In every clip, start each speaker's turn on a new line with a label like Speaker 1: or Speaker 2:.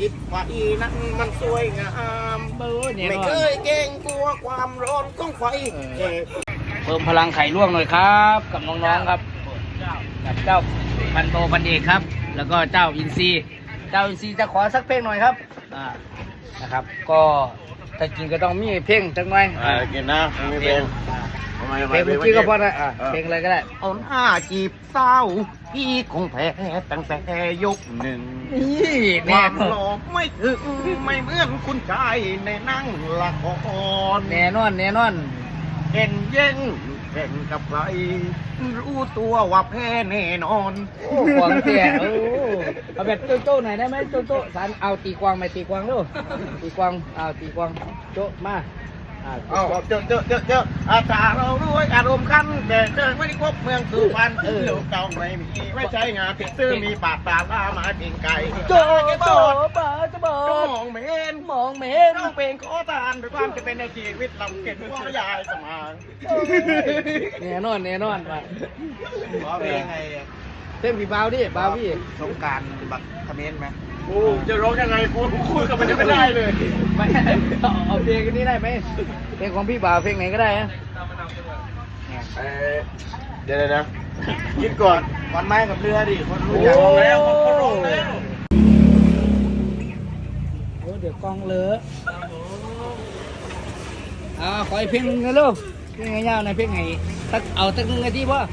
Speaker 1: จิตไฟนั้นมันสวยงามไม่เคยเกรงกลัวความร้อนของไฟ
Speaker 2: เพิ่มพลังไข่ลวกหน่อยครับกับน้องๆครับกับเจ้าพันโตพันเอกครับ แล้วก็เจ้าอินซีจะขอสักเพลงหน่อยครับนะครับก็แต่จริงก็ต้องมีเพลงจังหน่อย
Speaker 1: กินนะมีเพลง
Speaker 2: เพลงเมื่อกี้ก็พอนะเพลงอะไรก็ได้
Speaker 1: อ่อนอ้าจีบเศร้าพี่คงแพ้ตั้งแต่ยกหนึ่ง
Speaker 2: นี่
Speaker 1: ความหลอกไม่ถึงไม่เหมือนคุณชายในนั่งละคร
Speaker 2: แน่นอน
Speaker 1: เห็นเย็นแข่งกับใครรู้ตัวว่าแพ้แน่นอน
Speaker 2: โอ้ของเสียเอาแบบโจ้หน่อยได้ไหมโจ้สันเอาตีกวางไหมตีกวางดูตีกวางตีกวางโจ้มา
Speaker 1: เจออาจารย์เราด้วยอารมณ์คันแต่เจอไม่ได้ครบเมืองสุพรรณลูกเก่าไม่มีไม่ใช่งานติดซื้อมีปากตาล่ามาเพียงไก่
Speaker 2: โจ้
Speaker 1: มองเมนต้องเป็นขอทานด้วยความจะเป็นในชีวิตลำเก็บว่ายายสมาง
Speaker 2: แน่นอนไป
Speaker 1: เพลงไง
Speaker 2: เพลงพี่บ่าวดิบ่าวพี่
Speaker 1: สงการบักคอมเมนต์ไหมกูจะร้องยังไงกูคุยกับมันจะไม่ได้เลย
Speaker 2: ไม่เอาเพลงนี้ได้ไหมเพลงของพี่บ่าวเพลงไหนก็ได้ฮะ
Speaker 1: เดี๋ยวนะคิดก่อนวันไม้กับเรือดิคนรู้จักแล้วคนร้องแล้ว
Speaker 2: โอ้เดี๋ยวกองเลอะขออีกเพลงนึงนะลูกเพลงยาวๆในเพลงไหนเอาตั้งนึงนาทีป่ะ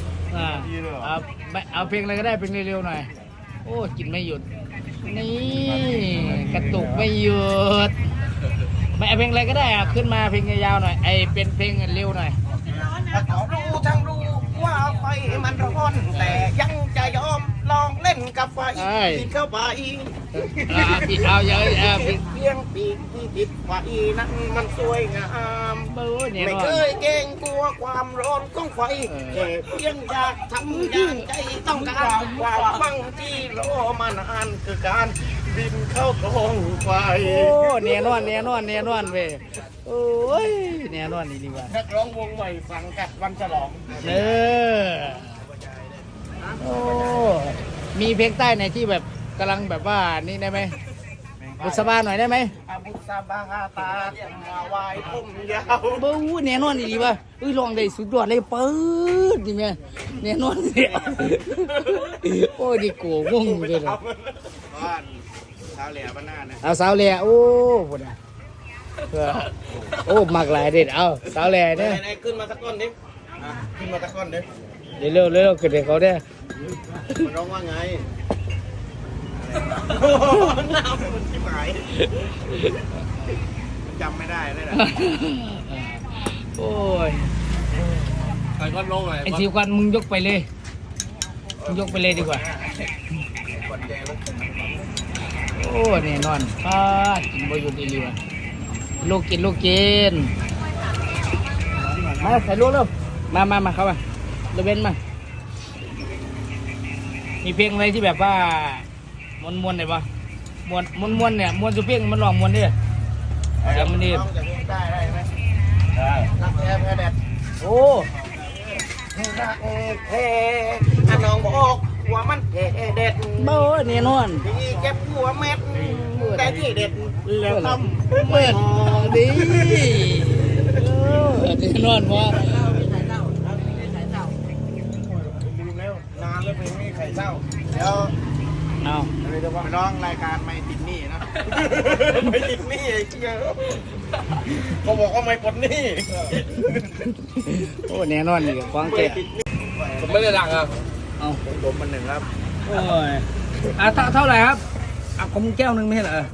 Speaker 2: เอาเพลงอะไรก็ได้เพลงเร็วๆหน่อยโอ้กินไม่หยุดนี่กระตุกไม่หยุดไม่เอาเพลงอะไรก็ได้ขึ้นมาเพลงยาวๆหน่อยเป็นเพลงเร็วหน่อย
Speaker 1: รู้ทั้งรู้ว่าไฟมันร้อนแต่ยังจะยอมลองเล่นกับไฟกินเข้าไป
Speaker 2: เอาเยอะ
Speaker 1: เพียงปีกที่ติดไฟนั้นมันสวยงามไม่เคยเกรงกลัวความร้อนของไฟแค่เพียงอยากทำอย่างใจต้องการความฟังที่รอมานานคือการบินเข้าท้องไฟ
Speaker 2: โอ้แน่นอนเว้ยโอ้ยแน่นอนดีว่า
Speaker 1: นักร้องวงใหม่สังกัดวันฉลอง
Speaker 2: โอ้มีเพลงใต้ไหนที่แบบกำลังแบบว่านี่ได้ไหมบุษบาหน่อยได้ไหม
Speaker 1: บุษบาตามา วายผมยาว
Speaker 2: บูแน่นอนดีว่ะลองได้สุดยอดเลยเปิดดิแม่แน่นอนเนี่ยโอ้ดิโก้วงเลยนะ
Speaker 1: บ้านสาวเหลี่ยบ้านหน้าเนี่ย
Speaker 2: เอาสาวเหลี่ยโอ้โหนะโอ้มากหลายเด็ดเอาสาวเหลี่ยเนี่ย
Speaker 1: ขึ้นมาตะก้อนดิขึ้นมาตะก้อนดิ
Speaker 2: เร็วขึ้นเด็กเขาได้
Speaker 1: มันร้องว่าไงน้ำมันชิบหายจำไม่ได้เลยนะ
Speaker 2: โอ้ย
Speaker 1: ใส่ก้อนลงเลย
Speaker 2: ไอ้ทีควันมึงยกไปเลยดีกว่าโอ้แน่นอนกินบ่หยุดอีหลีว่ะลูกกินมาใส่ลูกเร็วมาเข้ามาเดเว้นมามีเพลงอะไรที่แบบว่ามวนไหนปะมวนเนี่ยมวนสุเพียงมันร้องมวนดิอย่างมันนี่
Speaker 1: ได้ไหมได้รักแท้แพ้แดด
Speaker 2: โอ้
Speaker 1: รักแท้น้องบอกว่ามันแท้เด็ด
Speaker 2: บ่แน่นอน
Speaker 1: ที่เก็บหัวเม็ดแต่ที่เด็ดแล้วทำ
Speaker 2: ไม่ดีแน่นอนว่า
Speaker 1: นานแล้วเพลงนี้ไข่เศร้าเดี๋ยวไปร้องรายการไม่ติดหนี้นะไม่ติดหนี้ไอ้เจ้าเขาบอกว่าไม่ปลดหนี้
Speaker 2: โอ้แน่นอนนี่ฟังแก่
Speaker 1: ผมไม่ได้ดังอ่ะเอาผมมันหนึ่งครับ
Speaker 2: โอ้ยเท่าไหร่ครับผมแก้วนึงไม่ใช่เหรอ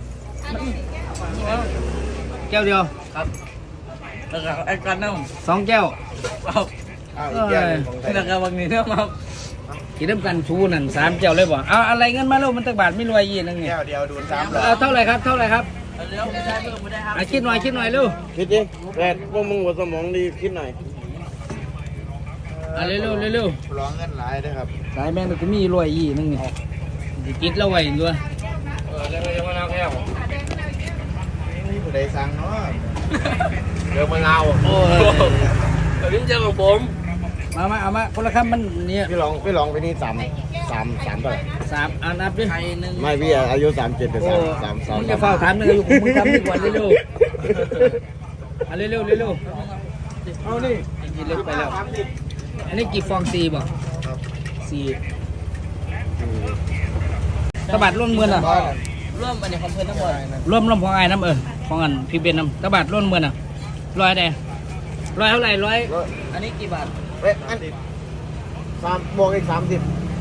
Speaker 2: แก้วเดียว
Speaker 1: ครับแล้วก็ไอ้กันน้
Speaker 2: ำ2 แก้ว
Speaker 1: แล้วก็วันนี้เนี่ยมา
Speaker 2: กินน้ำกันชูนั่น3 แก้วเลยบ่เอาอะไรเงินมาแล้วมันตักบาทไม่รวยยี่นึง
Speaker 1: แก้วเดียวดู3
Speaker 2: เท่าไหร่ครับคิดหน่อยเร็ว
Speaker 1: คิดดิแรดพวกมึงหัวสมองดีคิดหน่อย
Speaker 2: เร็ว
Speaker 1: ร้องเงินหลายด้วยครับ
Speaker 2: สายแม่งก็มีรวยยี่นึงนี่กินแล้วไว้ด้วย
Speaker 1: แล้วยังมาเอาแก้วนี่ผู้ใดสั่งเนาะเดี๋ยวมาเอา
Speaker 2: โอ้
Speaker 1: ยลิ้นเจอของผม
Speaker 2: เอามาคนละคำมันเนี่ย
Speaker 1: พี่ลองไปนี่ 3เท่าไหร่
Speaker 2: 3นับดิ
Speaker 1: ไม่พี่อายุ37แต่
Speaker 2: โอ้
Speaker 1: 3
Speaker 2: มึงจะเฝ้าถามเลยอยู่มึงทำดีกว่าเร็วๆเอาเร็วๆเอานี่กินเล็กไปแล้วอันนี้กี่ฟอง4บ่4ตะบัดร่วมมือน่ะร่วมอันนี้ของเพื่อนทั้งหมดร่วมของไอ้น้ำของอันพี่เบนน้ำตะบัดร่วมมือน่ะ100ได้100เท่าไหร่100อันนี้กี่บาท
Speaker 1: อัน3บวกอีก30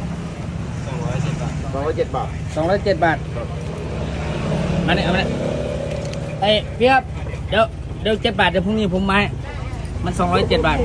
Speaker 1: 207 บาท
Speaker 2: 207 บาทอันนี้เอาไปไอ้พี่ครับเดี๋ยว7 บาทเดี๋ยวพรุ่งนี้ผมมาให้มัน207 บาท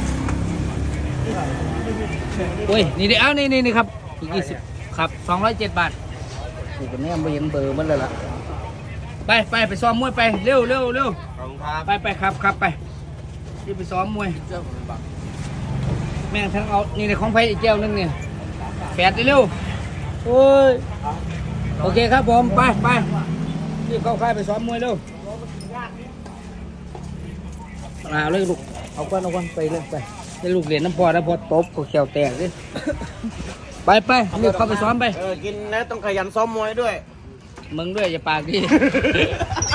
Speaker 2: โอ้ยนี่ดิเอานี่ครับอีก20ครับ207 บาทนี่เป็นแม่ไม่เห็นเบอร์มันเลยล่ะไปซ้อมมวยไปเร็ว
Speaker 1: ขอบคุณครับ
Speaker 2: ไปครับไปที่ไปซ้อมมวยแม่งทั้งเอานี่ในของไผ่อีกแก้วนึงเนี่ยแปดเร็วโอ้ยโอเคครับผมไปรีบเข้าค่ายไปซ้อมมวยเร็วเอาเลยลูกเอาก้อนไปเลยไปได้ลูกเหรียญน้ำพอตบก็เขียวแตกเลยไปรีบเข้าไปซ้อมไป
Speaker 1: กินแล้วต้องขยันซ้อมมวยด้วย
Speaker 2: มึงด้วยอย่าปากดี